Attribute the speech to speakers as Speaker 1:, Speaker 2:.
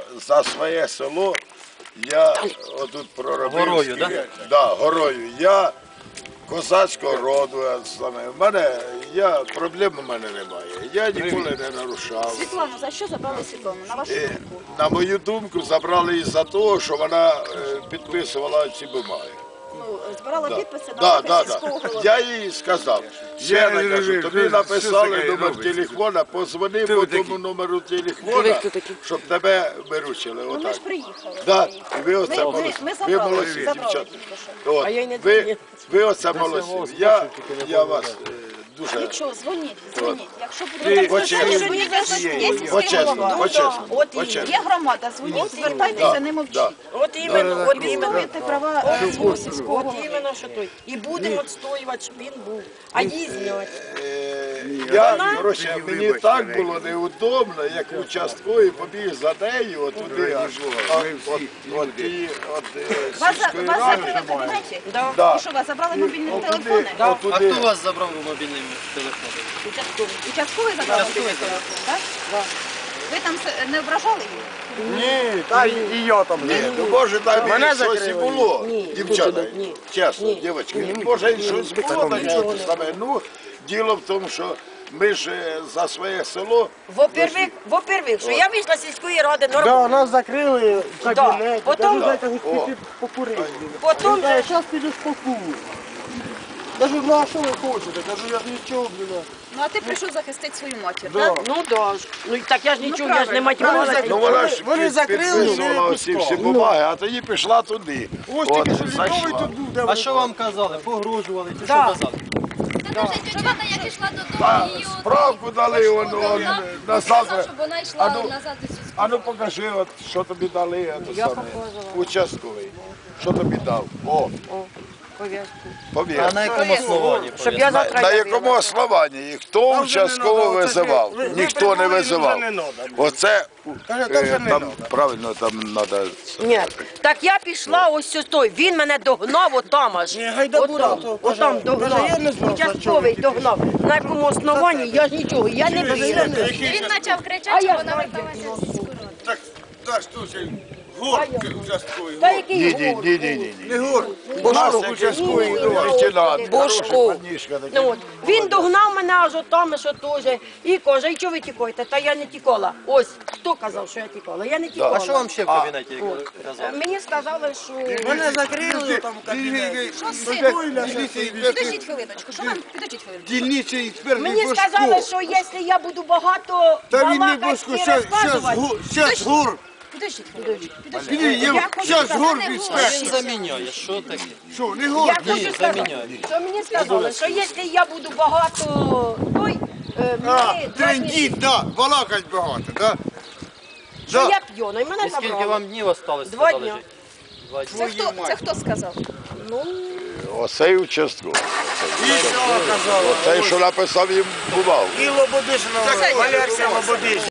Speaker 1: за своє село, я отут проробив.
Speaker 2: Горою, так?
Speaker 1: Да, горою. Я козацького роду, проблем у мене немає. Я ніколи не нарушав.
Speaker 3: Світлану, за що забрали Світлану, на вашу думку?
Speaker 1: На мою думку, забрали із-за того, що вона підписувала ці бумаги.
Speaker 3: Ну, збирала підписи на
Speaker 1: Да,
Speaker 3: вибір сільського голови.
Speaker 1: Я їй сказав, ще не кажу, тобі написали номер телефона, позвони по тому номеру телефона, щоб тебе виручили.
Speaker 3: Ну, ми
Speaker 1: Отак.
Speaker 3: ж приїхали.
Speaker 1: Да, і ви оце
Speaker 3: Ми
Speaker 1: молодці. Ви
Speaker 3: забрали,
Speaker 1: молодці,
Speaker 3: забрали
Speaker 1: дівчата.
Speaker 3: тільки що.
Speaker 1: От, ви оце молодці. Я вас дуже...
Speaker 3: Нічого, дзвоніть. Якщо
Speaker 1: Ти
Speaker 3: буде
Speaker 1: почесно.
Speaker 3: є сільський
Speaker 1: Почесно,
Speaker 3: голова.
Speaker 1: почесно,
Speaker 3: От
Speaker 1: почесно.
Speaker 3: є громада, дзвоніть, звертайтеся, не мовчіть.
Speaker 4: От іменно, от іменно.
Speaker 3: Відстоюйте права свого сільського
Speaker 4: От
Speaker 3: голови.
Speaker 4: іменно, що той. І будемо відстоювати, щоб він був. А їздять.
Speaker 1: Коротше, мені так було неудобно, як участковий побіг за нею, от туди аж, от сільської
Speaker 3: Вас
Speaker 1: ради.
Speaker 3: закрили в кабінеті?
Speaker 1: Да.
Speaker 3: І що, вас забрали мобільні
Speaker 1: От
Speaker 3: телефони?
Speaker 1: туди, от
Speaker 2: А
Speaker 1: туди.
Speaker 2: хто вас забрав мобільний телефон?
Speaker 3: Участковий забрав мобільний телефон, так? Ви там не ображали її?
Speaker 5: Ні, та і я там
Speaker 1: Ні,
Speaker 5: не.
Speaker 1: ну може там
Speaker 5: Мене
Speaker 1: і щось і
Speaker 5: закрили.
Speaker 1: було,
Speaker 4: Ні,
Speaker 1: дівчата,
Speaker 4: ні.
Speaker 1: чесно, дівчатки, може і щось було на чому саме. Ну, діло в тому, що ми ж за своє село,
Speaker 4: Во-первых, що я вийшла з сільської ради
Speaker 5: Да,
Speaker 4: нормально.
Speaker 5: нас закрили в кабінеті.
Speaker 4: Потім-
Speaker 5: Кажу, дайте хоч піти покурити.
Speaker 4: Потім же
Speaker 5: Зараз піду спокою. Кажу, ну а що ви хочете? Кажу, я ж нічого, блін.
Speaker 3: Ну, а ти прийшов захистити свою матір,
Speaker 5: Да.
Speaker 3: так?
Speaker 4: ну да ж. Ну так я ж нічого, я ж не мать
Speaker 5: Вони
Speaker 4: мала.
Speaker 5: закрили.
Speaker 1: ну вона ж
Speaker 5: Вони закрили,
Speaker 1: підписувала
Speaker 5: не
Speaker 1: всі
Speaker 5: пускали.
Speaker 1: бумаги, а тоді пішла туди.
Speaker 5: Ось
Speaker 1: От,
Speaker 5: тільки що літовий
Speaker 1: зайшла.
Speaker 5: тут був, де
Speaker 2: А
Speaker 5: ви-
Speaker 2: що вам казали? Погрожували чи що
Speaker 4: Да.
Speaker 2: казали?
Speaker 6: Та дуже тетяна, як йшла додому,
Speaker 1: Та,
Speaker 6: її
Speaker 1: справку дали, он назад.
Speaker 6: щоб вона йшла
Speaker 1: А ну,
Speaker 6: назад у сільську.
Speaker 1: А ну покажи, от, що тобі дали, участковий. Що тобі дав? О, повір.
Speaker 2: А на якому основанні?
Speaker 4: Щоб я завтра
Speaker 1: На
Speaker 4: явила.
Speaker 1: якому основанні? І хто
Speaker 5: Там вже не
Speaker 1: участково
Speaker 5: надо, оце
Speaker 1: визивав?
Speaker 5: ви
Speaker 1: Ніхто не
Speaker 5: придумали,
Speaker 1: визивав.
Speaker 5: вже не надо.
Speaker 1: Оце,
Speaker 5: Каже, там вже не
Speaker 1: там,
Speaker 5: надо.
Speaker 1: правильно, там треба...
Speaker 4: Ні, так я пішла ось ось той, він мене догнав отам аж.
Speaker 5: Ні, гайда бура, то каже,
Speaker 4: Отам
Speaker 5: каже, я не
Speaker 4: догнав.
Speaker 5: знав, за чого
Speaker 4: Участковий
Speaker 5: він
Speaker 4: догнав. На якому основанні я ж нічого, я не вірю.
Speaker 6: Він почав
Speaker 4: А
Speaker 6: кричати,
Speaker 4: я
Speaker 6: щоб вона
Speaker 4: знаю,
Speaker 6: верталася з сільську раду.
Speaker 5: Так, так, слушай, горки участковий.
Speaker 4: Та який
Speaker 1: Ні,
Speaker 4: гор?
Speaker 1: ні, ні, ні.
Speaker 5: Не гор,
Speaker 1: У нас
Speaker 5: Бошко,
Speaker 1: участковий
Speaker 4: Ні,
Speaker 1: лейтенант,
Speaker 4: Бошко.
Speaker 1: хороший панішка такий.
Speaker 4: Ну, от. Він догнав мене аж отам, що теж. І каже, і чого ви тікаєте? Та я не тікала. Ось, хто казав, що я тікала? Я не тікала.
Speaker 2: А що вам ще в кабінеті казали?
Speaker 4: Мені сказали, що...
Speaker 5: мене закрили там в кабінеті.
Speaker 3: Підождіть хвилиночку, що вам? Підождіть хвилиночку.
Speaker 5: Дільничий експерт
Speaker 4: Мені сказали, що якщо я буду багато
Speaker 5: Та він не
Speaker 4: балакати
Speaker 5: Бошко,
Speaker 4: і
Speaker 5: щас
Speaker 4: розказувати...
Speaker 5: гор.
Speaker 3: Підождіть хвилиночку.
Speaker 5: Щас гор
Speaker 2: Він
Speaker 5: експерт.
Speaker 2: заміняє, що таке?
Speaker 5: Що, не гор?
Speaker 4: Я хочу
Speaker 2: Ні,
Speaker 4: сказати,
Speaker 2: заміняю.
Speaker 4: що мені сказали, що якщо я буду багато той,
Speaker 5: А,
Speaker 4: мені 2
Speaker 5: трендіть, да, балакать багато, да?
Speaker 4: що
Speaker 5: Да.
Speaker 4: я п'яна, і мене
Speaker 2: І скільки
Speaker 4: забрали.
Speaker 2: вам днів осталось?
Speaker 4: 2
Speaker 2: сказали,
Speaker 4: дня.
Speaker 2: жити? 2 дні.
Speaker 3: Це хто сказав?
Speaker 1: Оцей участковий.
Speaker 5: І що казали?
Speaker 1: Оцей, що написав їм бумагу.
Speaker 5: І Лободишина, Валерія Лободишина.